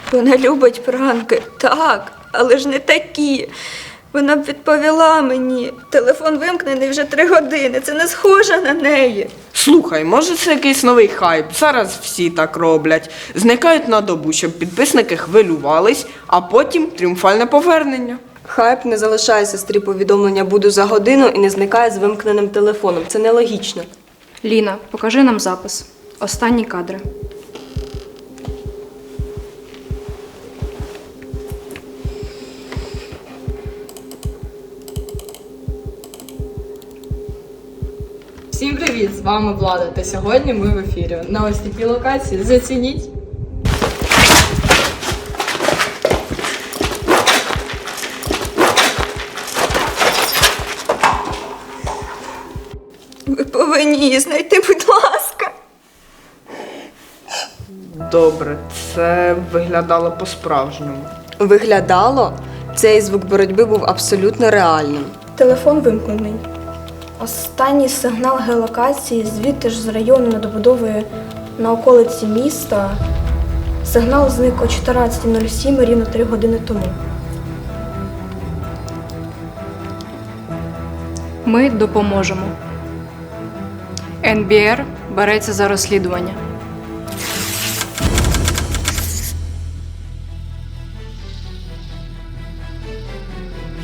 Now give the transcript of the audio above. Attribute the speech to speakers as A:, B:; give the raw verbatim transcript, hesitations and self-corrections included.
A: Вона любить пранки, так, але ж не такі. Вона б відповіла мені. Телефон вимкнений вже три години. Це не схоже на неї.
B: Слухай, може це якийсь новий хайп? Зараз всі так роблять. Зникають на добу, щоб підписники хвилювались, а потім тріумфальне повернення.
C: Хайп не залишає сестрі повідомлення «буду за годину» і не зникає з вимкненим телефоном. Це нелогічно.
D: Ліна, покажи нам запис. Останні кадри.
E: Всім привіт! З вами Влада, та сьогодні ми в ефірі. На ось такій локації. Зацініть!
A: Ви повинні її знайти, будь ласка.
B: Добре, це виглядало по-справжньому.
C: Виглядало, цей звук боротьби був абсолютно реальним.
F: Телефон вимкнений. Останній сигнал геолокації звідти ж з району над добудовою на околиці міста. Сигнал зник о чотирнадцята нуль сім рівно три години тому.
D: Ми допоможемо. ен бі ар береться за розслідування.